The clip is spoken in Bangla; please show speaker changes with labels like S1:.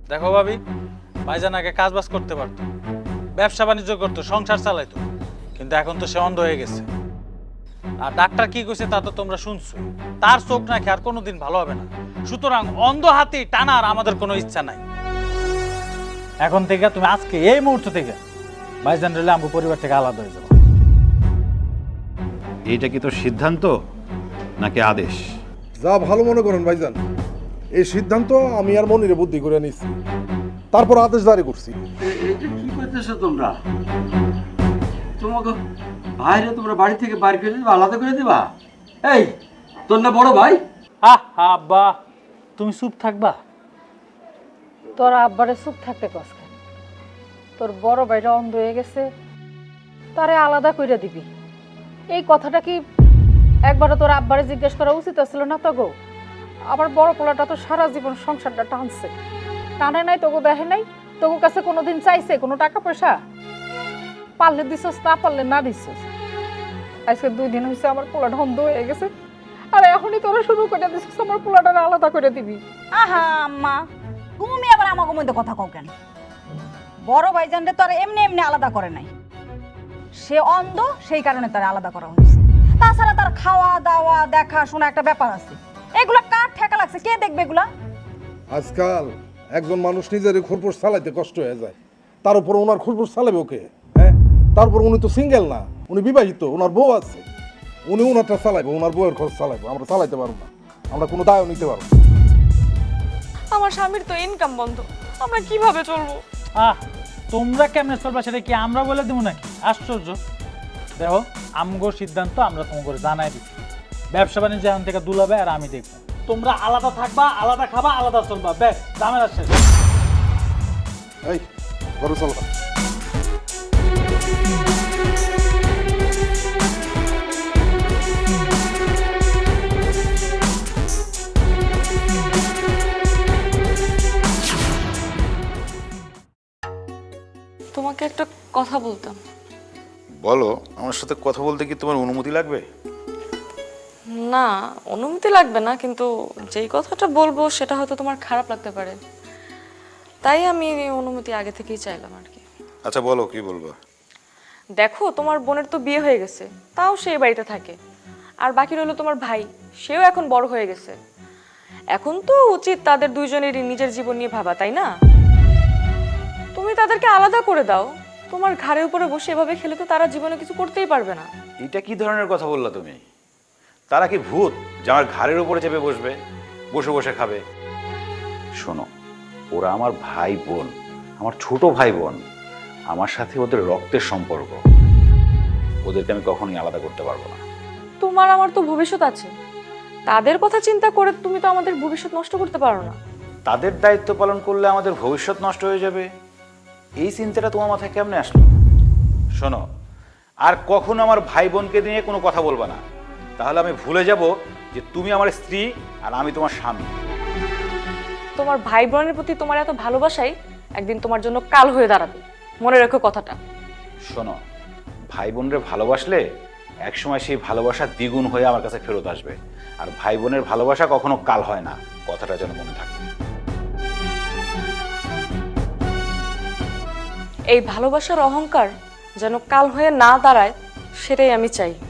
S1: দেখো ভাবি, ভাইজান আগে কাজ বাজ করতে পারতো, ব্যবসা বাণিজ্য করতো, সংসার চালাইতো, কিন্তু এখন তো সে অন্ধ হয়ে গেছে। আর ডাক্তার কি কইছে তা তো তোমরা শুনছো, তার চোখ নাকি আর কোনোদিন ভালো হবে না। সুতরাং অন্ধ হাতি টানার আমাদের কোনো ইচ্ছা নাই। এখন থেকে তুমি আজকে এই মুহূর্ত থেকে ভাইজান রেলে আমগো পরিবার থেকে আলাদা হয়ে যাবো।
S2: এইটা কি তোর সিদ্ধান্ত নাকি আদেশ?
S3: যা ভালো মনে করেন ভাইজান, এই সিদ্ধান্ত আমি আর মনিরে বুদ্ধি করে নিচ্ছি, তারপর আদেশ জারি করছি।
S4: এটা কি করতেছো তোমরা? তোমাকে ভাইরে তোমরা বাড়ি থেকে বাড়ি করে দিবা, আলাদা করে দিবা? এই তোর না বড় ভাই?
S1: আব্বা, তুমি চুপ থাকবা?
S5: তোর আব্বারে চুপ থাকতে কস কেন? তোর বড় ভাইটা অন্ধ হয়ে গেছে, তারে আলাদা কইরা দিবি, এই কথাটা কি একবারও তোর আব্বারে জিজ্ঞেস করা উচিত ছিল না তো গো? আমার বড় পোলাটা তো সারা জীবন সংসারটা টানছে, টানে নাই তোকে দেখে নাই, তোকে কাছে কোনোদিন চাইছে কোনো টাকা পয়সা? পারলে দিছস, না পারলে না দিছস। আজকে 2 দিন হয়েছে আমার পোলাটা অন্ধ হয়ে গেছে, আর এখনই তোরা শুরু করে দিছস আমার পোলাটা আলাদা করে দিবি।
S6: আহা আম্মা, তুমি আবার আমাকে মধ্যে কথা কও কেন? বড় ভাইজানরে তো আর এমনি এমনি আলাদা করে নাই, সে অন্ধ, সেই কারণে তার আলাদা করা হয়েছে। তাছাড়া তার খাওয়া দাওয়া দেখা শোনা একটা ব্যাপার আছে, এগুলা কার ঠেকা লাগছে? কে দেখবে এগুলা?
S3: আজকাল একজন মানুষ নিজের খোরপোশ চালাইতে কষ্ট হয়ে যায়, তার উপর ওনার খোরপোশ চালাবে ওকে? হ্যাঁ, তারপর উনি তো সিঙ্গেল না, উনি বিবাহিত, ওনার বউ আছে, উনি ওনারটা চালাইবো, ওনার বউয়ের খরচ চালাইবো, আমরা চালাইতে পারবো না, আমরা কোনো দায়ও নিতে পারবো না।
S7: আমার স্বামীর তো ইনকাম বন্ধ, আমরা কিভাবে চলবো?
S1: তোমরা কেমনে চলবা সেটা কি আমরা বলে দেবো নাকি? আশ্চর্য। দেখো, আমগো সিদ্ধান্ত আমরা তোমাকে জানাই দিচ্ছি, ব্যবসা বাণিজ্য এখন থেকে দুলাবে আর আমি দেখবো। তোমরা আলাদা থাকবা, আলাদা খাবা, আলাদা চলবা, ব্যাস ঝামেলা শেষ।
S3: এই ঘরে চলো।
S7: তোমাকে একটা কথা বলতাম।
S2: বলো, আমার সাথে কথা বলতে কি তোমার অনুমতি লাগবে?
S7: না, অনুমতি লাগবে না, কিন্তু যেই কথাটা বলবো সেটা হয়তো তোমার খারাপ লাগতে পারে, তাই আমি অনুমতি আগে থেকেই চাইলাম আর কি।
S2: আচ্ছা বলো, কি বলবো?
S7: দেখো, তোমার বোনের তো বিয়ে হয়ে গেছে, তাও সেই বাড়িতে থাকে, আর বাকি রইলো তোমার ভাই, সেও এখন বড় হয়ে গেছে। এখন তো উচিত তাদের দুইজনেরই নিজের জীবন নিয়ে ভাবা, তাই না? তুমি তাদেরকে আলাদা করে দাও, তোমার ঘাড়ের উপরে বসে এভাবে খেলে তো তারা জীবনে কিছু করতেই পারবে না।
S2: এটা কি ধরনের কথা বললা তুমি? তারা কি ভূত যে আমার ঘাড়ের উপরে চেপে বসবে, বসে বসে খাবে? শোনো, ওরা আমার ভাই বোন, আমার ছোট ভাই বোন, আমার সাথে ওদের রক্তের সম্পর্ক, ওদেরকে আমি কখনোই আলাদা করতে পারবো না।
S7: তোমার আমার তো ভবিষ্যৎ আছে, তাদের কথা চিন্তা করে তুমি তো আমাদের ভবিষ্যৎ নষ্ট করতে পারো না।
S2: তাদের দায়িত্ব পালন করলে আমাদের ভবিষ্যৎ নষ্ট হয়ে যাবে, এই চিন্তাটা তোমার মাথায় কেমনে আসলো? শোনো, আর কখনো আমার ভাই বোনকে নিয়ে কোনো কথা বলবা না, তাহলে আমি ভুলে যাব যে তুমি আমার স্ত্রী আর আমি তোমার স্বামী।
S7: তোমার ভাই বোনের প্রতি তোমার এত ভালোবাসাই একদিন তোমার জন্য কাল হয়ে দাঁড়াবে, মনে রেখো কথাটা।
S2: শোনো, ভাই বোনরে ভালোবাসলে একসময় সেই ভালোবাসা দ্বিগুণ হয়ে আমার কাছে ফেরত আসবে, আর ভাই বোনের ভালোবাসা কখনো কাল হয় না, কথাটা যেন মনে থাকে।
S7: এই ভালোবাসার অহংকার যেন কাল হয়ে না দাঁড়ায়, সেটাই আমি চাই।